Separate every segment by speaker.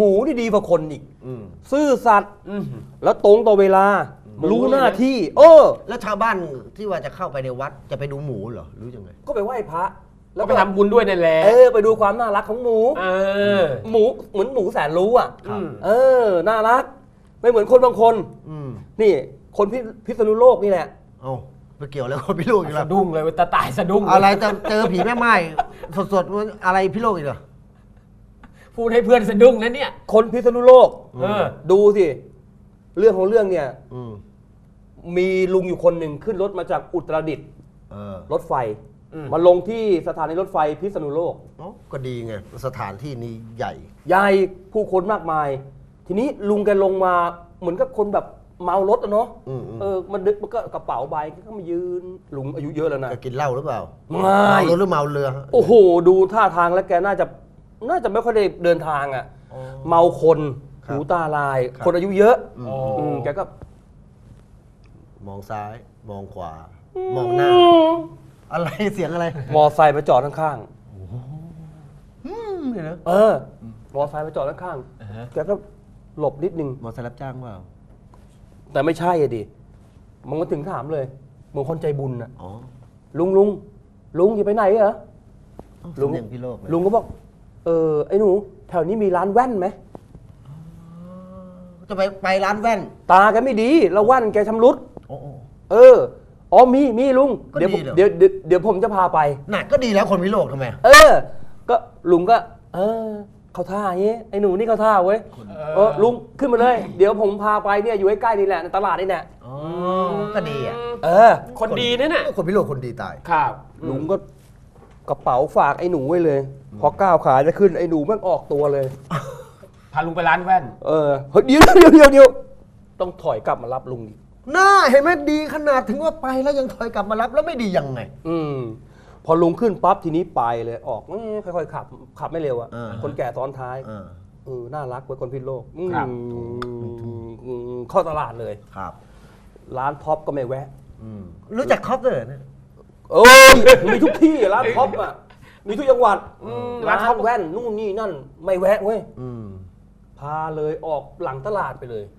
Speaker 1: หมูนี่ดีกว่าคนอีกซื่อสัตย์แล้วตรงต่อเวลารู้หน้าที่
Speaker 2: แล้วชาวบ้านที่ว่าจะเข้าไปในวัดจะไปดูหมูเหรอหรือยังไง
Speaker 1: ก็ไปไหว้พระ
Speaker 3: แล้วไปทำบุญด้วยนั่นแหละ
Speaker 1: ไปดูความน่ารักของหมูหมูเหมือนหมูแสนรู้อ่ะน่ารักไม่เหมือนคนบางคนนี่คนพิษณุโลกนี่แหละ
Speaker 2: ไปเกี่ยวแล้วคนพิโลกอีกแล้ว
Speaker 3: สะดุ้งเลยตาตายสะดุ้ง
Speaker 2: อะไรจะเจอผีแม่ไม้สดๆอะไรพิโลกอีกเหรอ
Speaker 3: พูดให้เพื่อนสะดุ้งนะเนี่ย
Speaker 1: คนพิษณุโลกดูสิเรื่องของเรื่องเนี่ยมีลุงอยู่คนหนึ่งขึ้นรถมาจากอุตรดิตถ์รถไฟมาลงที่สถานีรถไฟพิษณุโลก
Speaker 2: ก็ดีไงสถานที่นี้ใ
Speaker 1: หญ่ผู้คนมากมายทีนี้ลุงแกลงมาเหมือนกับคนแบบเมารถอะเนาะมันดึกมันก็กระเป๋าใบก็มายืนลุงอายุเยอะแล้วนะ
Speaker 2: กินเหล้าหรือเปล่า
Speaker 1: เมาร
Speaker 2: ถหรือเมาเรือ
Speaker 1: โอ้โหดูท่าทางแล้วแกน่าจะไม่ค่อยได้เดินทางอ่ะเมาคนหูตาลายคนอายุเยอะแกก็
Speaker 2: มองซ้ายมองขวามองหน้าอะไรเสียงอะไร
Speaker 1: มอไซค์มาจอดข้าง
Speaker 2: ๆเนี่ยนะ
Speaker 1: มอไซค์มาจอดข้างๆแกก็หลบนิดนึง
Speaker 2: มอไซค์รับจ้างเปล่า
Speaker 1: แต่ไม่ใช่อะดิมันก็ถึงถามเลยเหมือนคนใจบุญน่ะลุงอย่าไปไหนเหรอลุงก็บอกไอ้หนูแถวนี้มีร้านแว่นไหม
Speaker 2: จะไปร้านแว่น
Speaker 1: ตาแกไม่ดีแล้วแว่นแกชำรุดมีลุงเดี๋ยวผมจะพาไป
Speaker 2: น่ะก็ดีแล้วคนพิโลกทำไม
Speaker 1: ก็ลุงก็เขาท่าอย่างนี้ไอ้หนูนี่เขาท่าเว้ยลุงขึ้นมาเลยเดี๋ยวผมพาไปเนี่ยอยู่ใกล้ๆนี่แหละในตลาดนี่แหละ
Speaker 2: ก็ดีอ่ะ
Speaker 3: คนดีนั่นน่ะ
Speaker 2: คนพิโลกคนดีตาย
Speaker 1: ครับลุงก็กระเป๋าฝากไอ้หนูไว้เลยพอก้าวขาจะขึ้นไอ้หนูมันออกตัวเลย
Speaker 3: พาลุงไปร้านแว่น
Speaker 1: เดี๋ยวต้องถอยกลับมารับลุงอีก
Speaker 2: น่าเห็นไหมดีขนาดถึงว่าไปแล้วยังถอยกลับมารับแล้วไม่ดียังไง
Speaker 1: พอลุงขึ้นปั๊บทีนี้ไปเลยออกค่อยๆขับไม่เร็วอ่ะคนแก่ซ้อนท้ายน่ารักไว้คนพิษโลกเข้าตลาดเลย
Speaker 2: ครับ
Speaker 1: ร้านท็อปก็ไม่แวะ
Speaker 2: รู้จักท็อปเลยเนี่ย
Speaker 1: มีทุกที่ร้านท็อปอ่ะมีทุกจังหวัดร้านท็อปแว่นนู่นนี่นั่นไม่แวะเว้ยพาเลยออกหลังตลาดไปเลย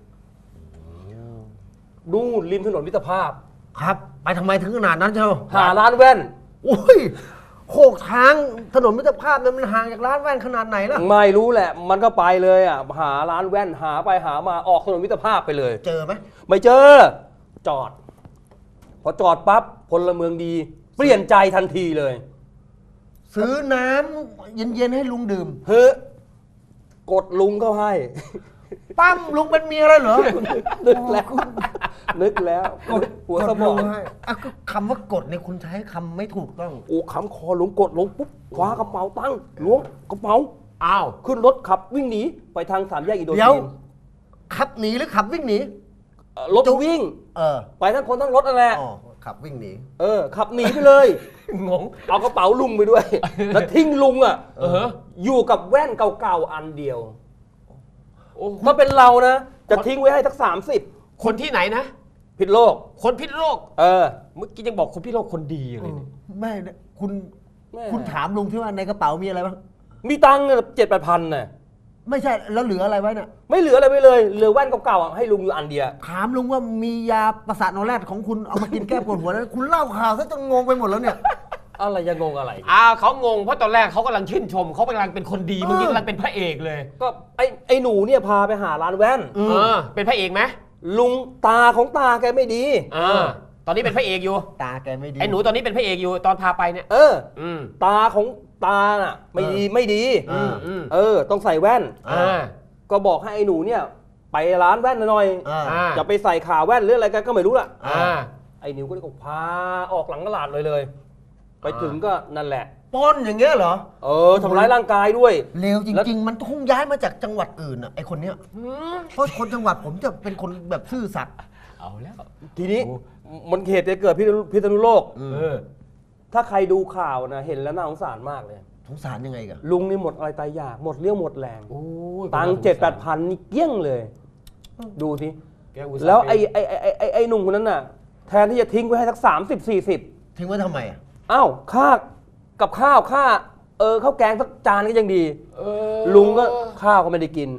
Speaker 1: ดูริมถนนมิตรภาพ
Speaker 2: ครับไปทำไมถึงขนาดนั้นเจ้า
Speaker 1: หาร้านแว่น
Speaker 2: โอ้ยโขกทางถนนมิตรภาพนั้นมันห่างจากร้านแว่นขนาดไหนล่ะ
Speaker 1: ไม่รู้แหละมันก็ไปเลยอ่ะหาร้านแว่นหาไปหามาออกถนนมิตรภาพไปเลย
Speaker 2: เจอไหม
Speaker 1: ไม่เจอจอดพอจอดปั๊บพลเมืองดีเปลี่ยนใจทันทีเลย
Speaker 2: ซื้อน้ำเย็นๆให้ลุงดื่ม
Speaker 1: กดลุงเข้าให้
Speaker 2: ปั้มลุงเป็นเมียอะไรเหรอ
Speaker 1: นึกแล้วหัวสมอง
Speaker 2: ก็คำว่ากดเนี่ยคุณใช้คำไม่ถูกต้อง
Speaker 1: คำคอลุงกดลงปุ๊บคว้ากระเป๋าตั้งล้วงกระเป๋าขึ้นรถขับวิ่งหนีไปทางสามแยกอินโดจีน
Speaker 2: ขับหนีหรือขับวิ่งหนี
Speaker 1: รถวิ่งไปทั้งคนทั้งรถนั่นแหละ
Speaker 2: ขับวิ่งหนี
Speaker 1: ขับหนีไปเลย
Speaker 3: งง
Speaker 1: เอากระเป๋าลุงไปด้วยแล้วทิ้งลุงอยู่กับแว่นเก่าๆอันเดียวถ้าเป็นเรานะจะทิ้งไว้ให้สัก30
Speaker 3: คนที่ไหนนะ
Speaker 1: พิษโลก
Speaker 3: คนพิษโลกเมื่อกี้ยังบอกคนพิษโลกคนดีอะไรเนี่ย
Speaker 2: ไม่คุณถามลุงที่ว่าในกระเป๋ามีอะไรบ้าง
Speaker 1: มีตังค์7-8 พันน่ะ
Speaker 2: ไม่ใช่แล้วเหลืออะไรไว้น่ะ
Speaker 1: ไม่เหลืออะไรไว้เลยเหลือแว่นเก่าๆให้ลุงอยู่อันเดียว
Speaker 2: ถามลุงว่ามียาประสาทนอนแรดของคุณเอามากินแก้ปวดหัวแล้วคุณเล่าข่าวซะจนงงไปหมดแล้วเนี่ย
Speaker 1: อะไรยังงงอะไร
Speaker 3: เขางงเพราะตอนแรกเขากำลังชื่นชมเขากำลังเป็นคนดีเมื่อกี้กำลังเป็นพระเอกเลย
Speaker 1: ก็ไอ้หนูเนี่ยพาไปหาร้านแว่น
Speaker 3: เป็นพระเอกไหม
Speaker 1: ลุงตาของตาแกไม่ดี
Speaker 3: ตอนนี้เป็นพระเอกอยู่
Speaker 2: ตาแกไม่ดี
Speaker 3: ไอ้หนูตอนนี้เป็นพระเอกอยู่ตอนพาไปเนี่ย
Speaker 1: ตาของตาน่ะไม่ดีต้องใส่แว่นก็บอกให้ไอ้หนูเนี่ยไปร้านแว่นหน่อยจะไปใส่ขาแว่นหรืออะไรกันก็ไม่รู้ล่ะไอ้หนูก็เลยพาออกหลังตลาดเลยไปถึงก็นั่นแหละ
Speaker 2: ปล้นอย่างเงี้ยเหรอ
Speaker 1: ทำร้ายร่างกายด้วย
Speaker 2: เลวจริงๆมันคงย้ายมาจากจังหวัดอื่นอ่ะไอ้คนเนี้ยเพราะคนจังหวัดผมจะเป็นคนแบบซื่อสัตย์
Speaker 3: เอาแล้ว
Speaker 1: ทีนี้มันเหตุจะเกิดพิษณุโลกถ้าใครดูข่าวนะเห็นแล้วน่าสงสารมากเลย
Speaker 2: สงสารยังไงกัน
Speaker 1: ลุงนี่หมดอะไรตายอยากหมดเรี่ยวหมดแรงตังค์7-8 พันนี่เกี้ยงเลยดูสิแล้วไอ้หนุ่มคนนั้นน่ะแทนที่จะทิ้งไว้ให้สัก30-40
Speaker 2: ทิ้งไว้ทำไม
Speaker 1: ค่ากับข้าวค่าข้าวแกงสักจานก็ยังดีลุงก็ข้าวก็ไม่ได้กิน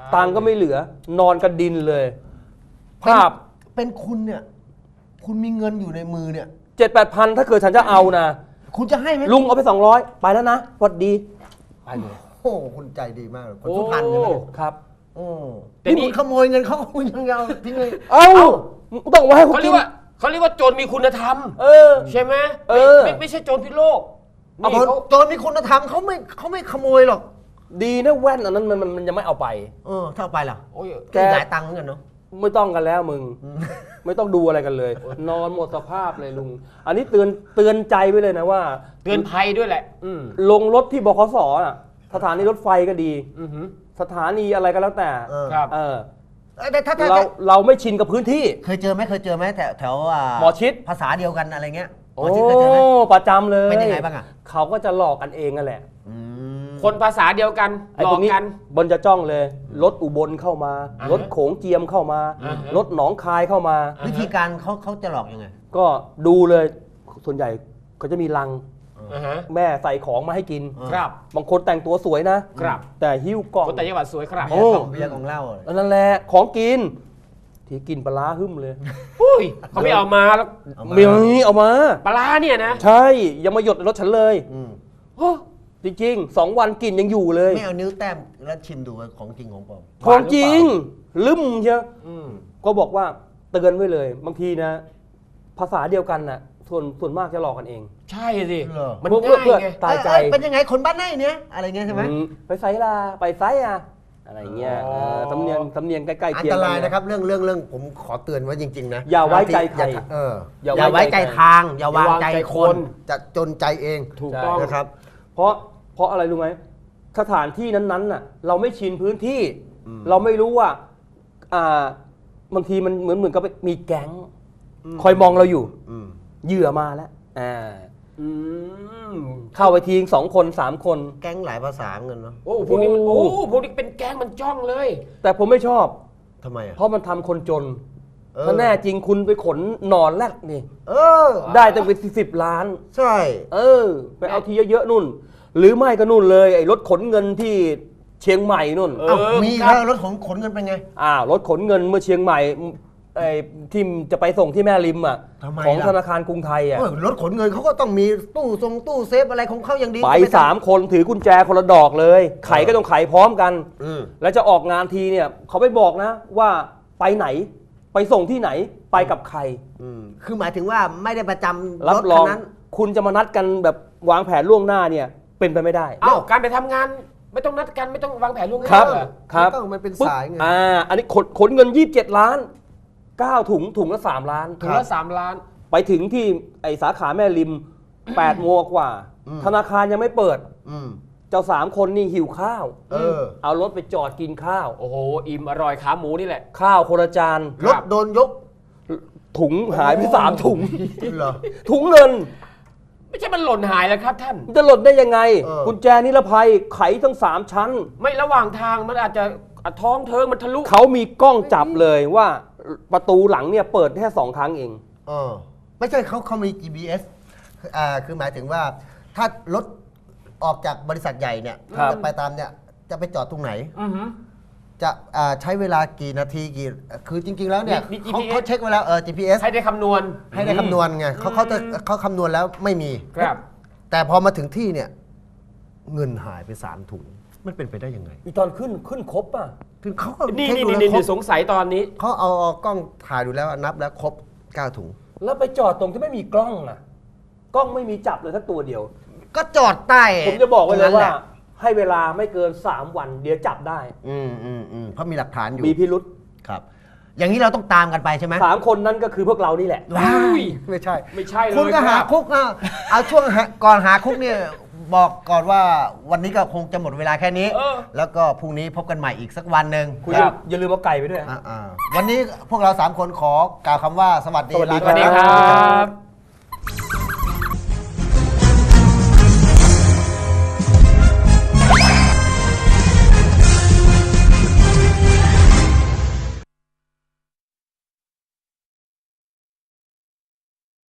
Speaker 1: ตังค์ก็ไม่เหลือนอนกระดินเลยภาพ
Speaker 2: เป็นคุณเนี่ย คุณมีเงินอยู่ในมือเนี่ย
Speaker 1: 7-8 พันถ้าเกิดฉันจะเอานะ
Speaker 2: คุณจะให้ไหม
Speaker 1: ลุงเอาไป200ไปแล้วนะสวัสดีไปเลย
Speaker 2: โอ้โหคุณใจดีมากเลยคนสุพรรณใช่ไหม
Speaker 1: ครับ
Speaker 2: โอ้
Speaker 3: แต่
Speaker 2: นี่
Speaker 3: นี่
Speaker 2: คุณขโมยเงินเขาคุณยังเอาทิ้งเลย
Speaker 1: เอ้าต้องเอาไว้ให้เขา
Speaker 3: เขาเรี
Speaker 1: กิ
Speaker 3: ย
Speaker 1: น
Speaker 3: กว่าเขาเรียกว่าโจรมีคุณธรรม
Speaker 1: เออ
Speaker 3: ใช่ไหม
Speaker 1: เออ
Speaker 3: ไม่ใช่โจรพิโลก
Speaker 2: เอา
Speaker 3: นี่เขา
Speaker 2: โจรมีคุณธรรมเขาไม่ขโมยหรอก
Speaker 1: ดีนะแว่นอันนั้นมันยังไม่เอาไป
Speaker 2: ถ้าเอาไปล่ะ
Speaker 3: โอ้ย
Speaker 1: แก
Speaker 2: หลายตังค์เหมือนกันเนาะ
Speaker 1: ไม่ต้องกันแล้วมึง ไม่ต้องดูอะไรกันเลย นอนหมดสภาพเลยลุง อันนี้เตือนใจไว้เลยนะว่า
Speaker 3: เตือนภัยด้วยแหละ
Speaker 1: ลงรถที่บขสอ่ะสถานีรถไฟก็ดี
Speaker 3: อือหือ
Speaker 1: สถานีอะไรก็แล้วแต่
Speaker 3: ครับ
Speaker 2: แต่ถ้า
Speaker 1: เราไม่ชินกับพื้นที่
Speaker 2: เคยเจอไหมแถว
Speaker 1: หมอชิด
Speaker 2: ภาษาเดียวกันอะไรเงี้ยหม
Speaker 1: โอ้
Speaker 2: อชิดเคยเจอไหม
Speaker 1: ประจำเลย
Speaker 2: เป็นยังไงบ้างอ่ะ
Speaker 1: เขาก็จะหลอกกันเองนั่นแหละ
Speaker 3: คนภาษาเดียวกัน
Speaker 1: ไอ้
Speaker 3: หล
Speaker 1: พ
Speaker 3: อ
Speaker 1: ว
Speaker 3: ก
Speaker 1: กนี้
Speaker 3: กัน
Speaker 1: บนจะจ้องเลย รถอุบลเข้ามา
Speaker 3: อ่าฮะ
Speaker 1: รถโขงเจียมเข้ามา
Speaker 3: อ่าฮะ
Speaker 1: รถหนองคายเข้ามา
Speaker 2: วิธีการเขาจะหลอกยังไง
Speaker 1: ก็ดูเลยส่วนใหญ่เขาจะมีลัง
Speaker 3: อ่าฮะ
Speaker 1: แม่ใส่ของมาให้กิน
Speaker 3: ครับ
Speaker 1: บางคนแต่งตัวสวยนะ
Speaker 3: ครับ
Speaker 1: แต่หิ้วกล่อง
Speaker 3: คนแต่จังหวัดสวยครับ
Speaker 1: โอ้
Speaker 2: เบียร์ของเหล้าอะไร
Speaker 1: นั่นแหละของกิน ที่กินปลาร้าหึ่มเลย
Speaker 3: อุ้ยเขาไม่เอามาแล้ว
Speaker 1: มีเอามา
Speaker 3: ปลาร้าเนี่ยนะ
Speaker 1: ใช่อย่ามาหยดในรถฉันเลย
Speaker 2: อืม
Speaker 3: โอ้
Speaker 1: จริงๆ2 วันกินยังอยู่เลย
Speaker 2: ไม่เอานิ้วแต้มแล้วชิมดูว่าของจริงของปลอม
Speaker 1: ของจริงลืมเชียว
Speaker 3: อืม
Speaker 1: ก็บอกว่าเตือนไว้เลย บางทีนะ ภาษาเดียวกันน่ะส่วนมากจะหลอกกันเอง
Speaker 3: ใช่สิ
Speaker 2: เหรอ
Speaker 3: มัน
Speaker 1: เพื่อ
Speaker 3: ง่ายไง
Speaker 1: ตายใจ
Speaker 2: เป็นยังไงคนบ้านไหนเนี่ยอะไรเงี้ยใช่ไหม
Speaker 1: ไปไซลาไปไซอ่ะอะไรเงี้ย
Speaker 3: อ๋อ
Speaker 1: สำเนียงใกล้ๆ
Speaker 2: อัน
Speaker 1: เคียง
Speaker 2: ต
Speaker 1: กั
Speaker 2: รายนะครับเรื่องผมขอเตือนไว้จริงๆนะ
Speaker 1: อย่าไว้ใจใคร
Speaker 2: อย่าไว้ใจทาง อย่าวางใจคน จะจนใจเอง
Speaker 3: ถูกต้อง
Speaker 2: นะครับ
Speaker 1: เพราะอะไรรู้ไหมสถานที่นั้นๆน่ะ เราไม่ชินพื้นที่ เราไม่รู้ว่าบางทีมันเหมือนกับมีแก๊งคอยมองเราอยู่ เหยื่อมาแล้ว
Speaker 3: อืม
Speaker 1: เข้าไปที2 คน 3 คน
Speaker 2: แก๊งหลายภาษาเงินเนาะ
Speaker 3: โอ้พวกนี้มันโอ้พวกนี้เป็นแก๊งมันจ้องเลย
Speaker 1: แต่ผมไม่ชอบ
Speaker 2: ทำไมอ่ะ
Speaker 1: เพราะมันทำคนจน
Speaker 2: เออ
Speaker 1: ถ้าแน่จริงคุณไปขนหนอนแรกนี่
Speaker 2: เออ
Speaker 1: ได้ตั้งเป็น10 ล้าน
Speaker 2: ใช่
Speaker 1: ไปเอาทีเยอะๆนู่น หรือไม่ก็นู่นเลยไอ้รถขนเงินที่เชียงใหม่นู่น
Speaker 3: เออ
Speaker 2: เอ้ามี
Speaker 3: ครับ
Speaker 2: แล้วรถขนเงินเป็นไง
Speaker 1: รถขนเงินเมื่อเชียงใหม่ไอ้ที่จะไปส่งที่แม่ริมอ่ะ
Speaker 2: ทำไม
Speaker 1: ของ
Speaker 2: ล่ะ
Speaker 1: ธนาคารกรุงไทยอ่ะ
Speaker 2: เออรถขนเงินเขาก็ต้องมีตู้เซฟอะไรของเขาอย่างดี
Speaker 1: ไป3 คนถือกุญแจคนละดอกเลย ไขก็ต้องไขพร้อมกัน แล้วจะออกงานทีเนี่ยเขาไม่บอกนะว่าไปไหนไปส่งที่ไหนไปกับใคร
Speaker 2: คือหมายถึงว่าไม่ได้ประจำ
Speaker 1: รับ
Speaker 2: รถ
Speaker 1: ร
Speaker 2: คั
Speaker 1: อง
Speaker 2: นนั้น
Speaker 1: คุณจะมานัดกันแบบวางแผนล่วงหน้าเนี่ยเป็นไปไม่ได้
Speaker 3: เอ้าการไปทำงานไม่ต้องนัดกันไม่ต้องวางแผนล่วงหน้า
Speaker 1: ครับ
Speaker 3: เหอ
Speaker 1: ครับ
Speaker 2: ไม่ต้องมันเป็นสายไง
Speaker 1: อันนี้ขนเงิน27 ล้าน9 ถุงละ3 ล้าน
Speaker 3: ถุงละ3 ล้าน
Speaker 1: ไปถึงที่ไอสาขาแม่ริม 8 โมงกว่า ธนาคารยังไม่เปิด เจ้า3 คนนี่หิวข้าว เอารถไปจอดกินข้าว
Speaker 3: โอ้โหอิ่มอร่อยขาหมูนี่แหละ
Speaker 1: ข้าวคนละจาน
Speaker 2: รถโดนยก
Speaker 1: ถุงหายไป3 ถุง
Speaker 2: เหรอ
Speaker 1: ถุงเงิน
Speaker 3: ไม่ใช่มันหล่นหายแล้วครับท่าน
Speaker 1: มันจะหล่นได้ยังไง
Speaker 2: เออ
Speaker 1: กุญแจนิรภัยไขทั้ง3 ชั้น
Speaker 3: ไม่ระหว่างทางมันอาจจะท้องเทิงมันทะลุ
Speaker 1: เขามีกล้องจับเลยว่าประตูหลังเนี่ยเปิดแค่2 ครั้งเอง
Speaker 2: ไม่ใช่เขามี GPS คือหมายถึงว่าถ้ารถออกจากบริษัทใหญ่เนี่ย
Speaker 1: ครับ
Speaker 2: จะไปตามเนี่ยจะไปจอดตรงไหน
Speaker 3: อือหือ
Speaker 2: จะใช้เวลากี่นาทีคือจริง ๆ แล้วเนี่ย
Speaker 3: มี
Speaker 2: เขา
Speaker 3: GPS
Speaker 2: เขาเช็คไว้แล้วGPS
Speaker 3: ให้ได้คำนวณ
Speaker 2: ให้ได้คำนวณไงเขาคำนวณแล้วไม่มี
Speaker 3: ครับ
Speaker 2: แต่พอมาถึงที่เนี่ยเงินหายไป3 ถุง มันเป็นไปได้ยังไง
Speaker 1: อีตอนขึ้นครบอ่ะ
Speaker 2: คือเขาก็
Speaker 3: นี่
Speaker 2: เช็ค
Speaker 3: นี่
Speaker 2: ดูแล้ว
Speaker 3: นี่
Speaker 2: ครบ
Speaker 3: สงสัยตอนนี้
Speaker 2: เขาเอากล้องถ่ายดูแล้วนับแล้วครบ9 ถุง
Speaker 1: แล้วไปจอดตรงที่ไม่มีกล้องอ่ะ กล้องไม่มีจับเลยสักตัวเดียว
Speaker 2: ก็จอดใต้
Speaker 1: ผมจะบอกไว้เลย
Speaker 2: ตรงนั้น
Speaker 1: ว่า
Speaker 2: แหะ
Speaker 1: ให้เวลาไม่เกิน 3 วัน เดี๋ยวจับได้
Speaker 2: เพราะมีหลักฐานอยู่
Speaker 1: มีพิรุษ
Speaker 2: ครับ อย่างนี้เราต้องตามกันไปใช่ไหม
Speaker 1: 3 คนนั้นก็คือพวกเรานี่แหละ
Speaker 2: ว้า
Speaker 3: อุ้
Speaker 2: ย
Speaker 3: ย
Speaker 2: ไม่ใช่
Speaker 3: ไม่ใช่เลย
Speaker 2: คุณก็หา
Speaker 3: รับ
Speaker 2: คุกเอาช่วงก่อนหาคุกเนี่ยบอกก่อนว่าวันนี้ก็คงจะหมดเวลาแค่นี้
Speaker 3: เออ
Speaker 2: แล้วก็พรุ่งนี้พบกันใหม่อีกสักวันหนึ่ง
Speaker 1: คุณ
Speaker 3: ครับ
Speaker 1: อย่าลืมเอาไก่ไปด้วย
Speaker 2: วันนี้พวกเรา3 คนขอกล่าวคำว่าสวัสดี
Speaker 1: สวัสดี
Speaker 3: สวัสดี
Speaker 2: ลา
Speaker 3: ค
Speaker 2: ไป
Speaker 3: รั
Speaker 2: ก่อน
Speaker 3: บ